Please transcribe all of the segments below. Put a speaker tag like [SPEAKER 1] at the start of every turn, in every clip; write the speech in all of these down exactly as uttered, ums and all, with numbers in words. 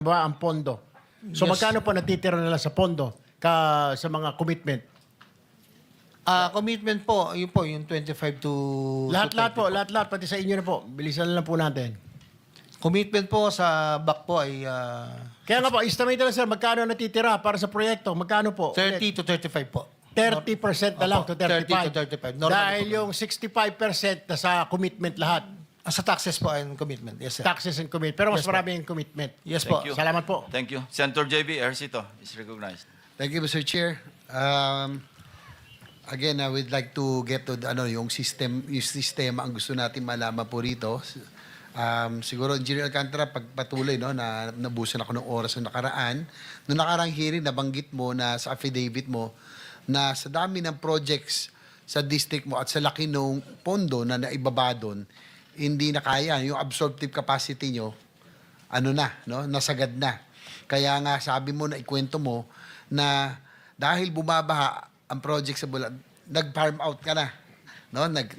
[SPEAKER 1] ba ang pondo? So
[SPEAKER 2] Yes.
[SPEAKER 1] magkano po natitira nila sa pondo ka sa mga commitment?
[SPEAKER 2] Ah, commitment po, yun po, yung twenty-five to...
[SPEAKER 1] Lahat-lahat
[SPEAKER 2] to
[SPEAKER 1] po,
[SPEAKER 2] twenty
[SPEAKER 1] lahat-lahat pati sa inyo na po. Bilisan na lang po natin.
[SPEAKER 2] Commitment po sa back po ay ah,
[SPEAKER 1] Kaya nga po, estimate na lang sir, magkano natitira para sa proyekto? Magkano po?
[SPEAKER 2] thirty to thirty-five po.
[SPEAKER 1] thirty percent na lang
[SPEAKER 2] Opo,
[SPEAKER 1] to thirty-five.
[SPEAKER 2] thirty to thirty-five. Normal
[SPEAKER 1] Dahil
[SPEAKER 2] po.
[SPEAKER 1] yung sixty-five percent na sa commitment lahat.
[SPEAKER 2] Ah, sa taxes po and commitment. Yes, sir.
[SPEAKER 1] Taxes and commitment. Pero mas
[SPEAKER 2] Yes po.
[SPEAKER 1] marami yung commitment.
[SPEAKER 2] Yes po.
[SPEAKER 3] Thank you.
[SPEAKER 1] Salamat po.
[SPEAKER 3] Thank you. Senator J B Ercito is recognized.
[SPEAKER 4] Thank you, Mister Chair. Um, again, I would like to get to the, ano, yung system, yung sistema ang gusto natin malaman po rito. Um, siguro, Engineer Alcantara, pagpatuloy, no, na nabusan ako ng oras ng nakaraan. Noong nakarang hearing, nabanggit mo na sa affidavit mo na sa dami ng projects sa district mo at sa laki ng pondo na naibaba doon, hindi na kaya. Yung absorptive capacity nyo, ano na, no? Nasagad na. Kaya nga sabi mo na ikwento mo na dahil bumabaha ang project sa Bulan, nag-farm out ka na. No? Nag,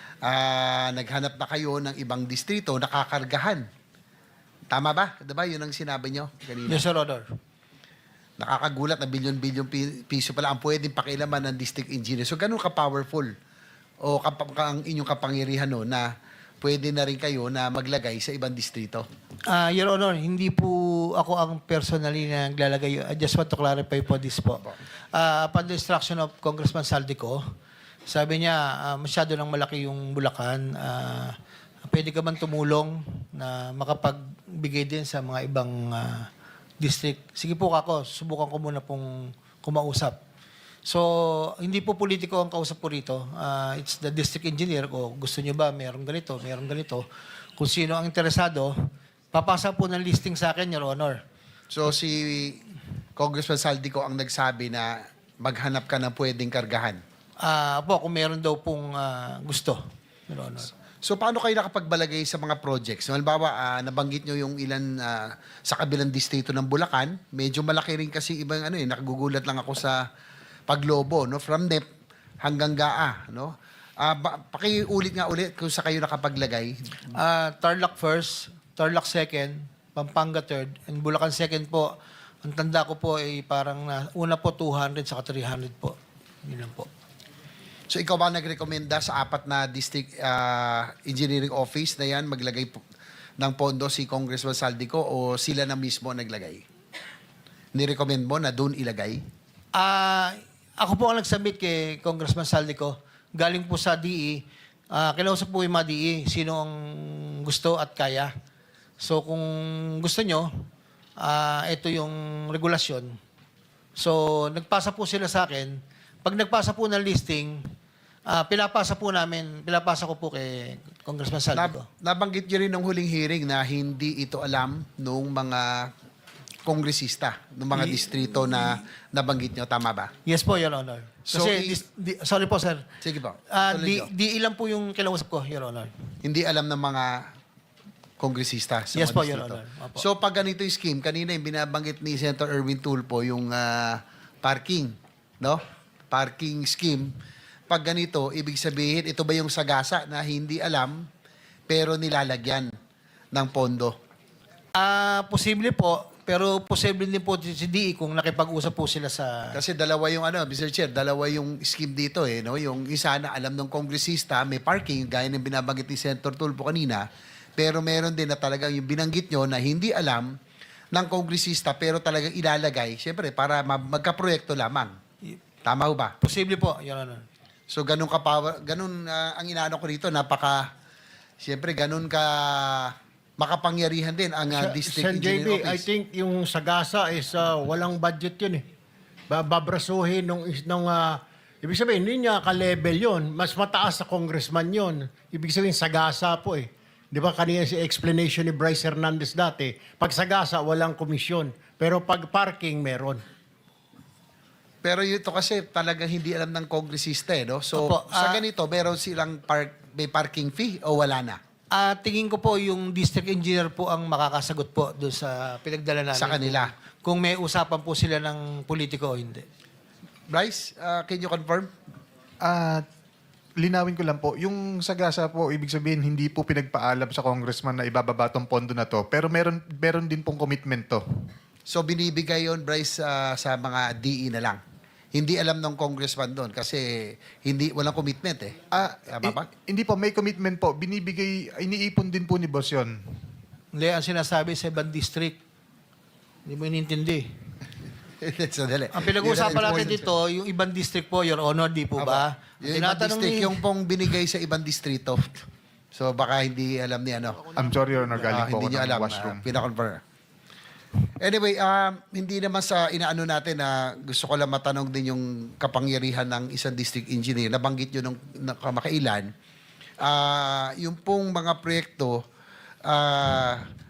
[SPEAKER 4] ah, naghanap na kayo ng ibang distrito na kakargahan. Tama ba? Diba? Yun ang sinabi nyo kanina.
[SPEAKER 2] Yes, Sir Honor.
[SPEAKER 4] Nakakagulat na bilyon-bilyon pi- piso pala ang pwedeng pakilaman ng district engineer. So, ganun ka-powerful o kap- ka- ang inyong kapangyarihan no, na pwede na rin kayo na maglagay sa ibang distrito.
[SPEAKER 2] Ah, Your Honor, hindi po ako ang personally na naglalagay. I just want to clarify po this po. Ah, upon the instruction of Congressman Saldico, sabi niya, ah, masyado nang malaki yung Bulacan. Ah, pwede ka man tumulong na makapagbigay din sa mga ibang ah, district. Sige po kako, subukan ko muna pong kumausap. So, hindi po politiko ang kausap po rito. Ah, it's the district engineer ko. Gusto niyo ba meron ganito, meron ganito. Kung sino ang interesado, papasa po ng listing sa akin, Your Honor.
[SPEAKER 4] So si Congressman Saldico ang nagsabi na maghanap ka ng pwedeng kargahan.
[SPEAKER 2] Ah, po, kung meron daw pong ah, gusto, Your Honor.
[SPEAKER 4] So paano kayo nakapagbalagay sa mga projects? So, halimbawa, ah, nabanggit nyo yung ilan ah, sa kabilang distrito ng Bulacan. Medyo malaki rin kasi ibang ano eh, nakagugulat lang ako sa Paglobo, no? From N E P hanggang G A A, no? Ah, ba, pakiulit nga ulit kung sa kayo nakapaglagay.
[SPEAKER 2] Ah, Tarlac first, Tarlac second, Pampanga third, and Bulacan second po. Ang tanda ko po ay parang na, una po two hundred saka three hundred po. Yun lang po.
[SPEAKER 4] So ikaw ba nagrekomenda sa apat na district ah, engineering office na yan maglagay po ng pondo si Congressman Saldico o sila na mismo naglagay? Nirecommend mo na doon ilagay?
[SPEAKER 2] Ah, ako po ang nag-submit kay Congressman Saldico. Galing po sa D E. Ah, kinausap po yung mga D E, sino ang gusto at kaya. So kung gusto nyo, ah, ito yung regulasyon. So nagpasa po sila sa akin. Pag nagpasa po ng listing, ah, pinapasa po namin, pinapasa ko po kay Congressman Saldico.
[SPEAKER 4] Nab- nabanggit nyo rin ng huling hearing na hindi ito alam nung mga kongresista, ng mga distrito na nabanggit nyo. Tama ba?
[SPEAKER 2] Yes po, Your Honor.
[SPEAKER 4] So,
[SPEAKER 2] Kasi,
[SPEAKER 4] i-
[SPEAKER 2] dis- di- sorry po, sir.
[SPEAKER 4] Sige po.
[SPEAKER 2] Ah,
[SPEAKER 4] Tuloy
[SPEAKER 2] di,
[SPEAKER 4] nyo.
[SPEAKER 2] di ilan po yung kinausap ko, Your Honor.
[SPEAKER 4] Hindi alam ng mga kongresista sa
[SPEAKER 2] Yes
[SPEAKER 4] mga
[SPEAKER 2] po,
[SPEAKER 4] distrito.
[SPEAKER 2] Your Honor. Opo.
[SPEAKER 4] So pag ganito yung scheme, kanina yung binabanggit ni Senator Erwin Tulfo, yung ah, parking, no? Parking scheme. Pag ganito, ibig sabihin, ito ba yung sagasa na hindi alam, pero nilalagyan ng pondo?
[SPEAKER 2] Ah, posible po, pero posible din po si D E kung nakipag-usap po sila sa...
[SPEAKER 4] Kasi dalawa yung ano, Mister Chair, dalawa yung scheme dito eh, no? Yung isa na alam ng kongresista, may parking, gaya ng binabanggit ni Senator Tulfo kanina, pero meron din na talagang yung binanggit nyo na hindi alam ng kongresista, pero talagang ilalagay, syempre, para ma- magkaproyekto lamang. Tama ho ba?
[SPEAKER 2] Posible po, Your Honor.
[SPEAKER 4] So, ganun ka power, ganun ah, ang inaano ko rito, napaka, syempre, ganun ka makapangyarihan din ang uh, district
[SPEAKER 1] Sen J B,
[SPEAKER 4] engineer
[SPEAKER 1] I
[SPEAKER 4] office.
[SPEAKER 1] think yung Sagasa is uh, walang budget yun eh. Ba- Babrasuhin nung, is- nung ah, ibig sabihin, hindi niya ka-level yun. Mas mataas sa congressman yun. Ibig sabihin, Sagasa po eh. Di ba kanina si explanation ni Bryce Hernandez dati, pag Sagasa, walang komisyon. Pero pag parking, meron.
[SPEAKER 4] Pero ito kasi talagang hindi alam ng kongresista eh, no? So,
[SPEAKER 2] Opo,
[SPEAKER 4] sa
[SPEAKER 2] ah,
[SPEAKER 4] ganito, meron silang park, may parking fee o wala na?
[SPEAKER 2] Ah, tingin ko po yung district engineer po ang makakasagot po doon sa pinagdala namin.
[SPEAKER 4] Sa kanila.
[SPEAKER 2] Kung, kung may usapan po sila ng politiko o hindi.
[SPEAKER 4] Bryce, uh, can you confirm?
[SPEAKER 5] Ah, linawin ko lang po, yung Sagasa po, ibig sabihin, hindi po pinagpaalam sa congressman na ibababa tong pondo na to. Pero meron, meron din pong commitment to.
[SPEAKER 4] So binibigay yon Bryce, ah, sa mga D E na lang. Hindi alam ng congressman doon kasi hindi walang commitment eh.
[SPEAKER 5] Ah,
[SPEAKER 4] Tama ba?
[SPEAKER 5] eh, hindi po, may commitment po. Binibigay, iniipon din po ni boss yun.
[SPEAKER 2] Hindi, ang sinasabi sa ibang district. Hindi mo inintindi.
[SPEAKER 4] Sandali.
[SPEAKER 2] Ang pinag-uusapan
[SPEAKER 4] Yun ang
[SPEAKER 2] natin
[SPEAKER 4] important.
[SPEAKER 2] dito, yung ibang district po, Your Honor, di po ba?
[SPEAKER 4] Yung ibang
[SPEAKER 2] Tinatanong
[SPEAKER 4] district,
[SPEAKER 2] ni-
[SPEAKER 4] yung pong binigay sa ibang distrito. So baka hindi alam ni ano.
[SPEAKER 5] I'm sorry, Your Honor,
[SPEAKER 4] Ah,
[SPEAKER 5] galing po
[SPEAKER 4] hindi
[SPEAKER 5] ako
[SPEAKER 4] niyo
[SPEAKER 5] ng
[SPEAKER 4] alam.
[SPEAKER 5] washroom.
[SPEAKER 4] Uh, pinakonfirm. Anyway, um, hindi naman sa inaano natin na gusto ko lang matanong din yung kapangyarihan ng isang district engineer. Nabanggit nyo nung na- kamakailan. Ah, yung pong mga proyekto, ah,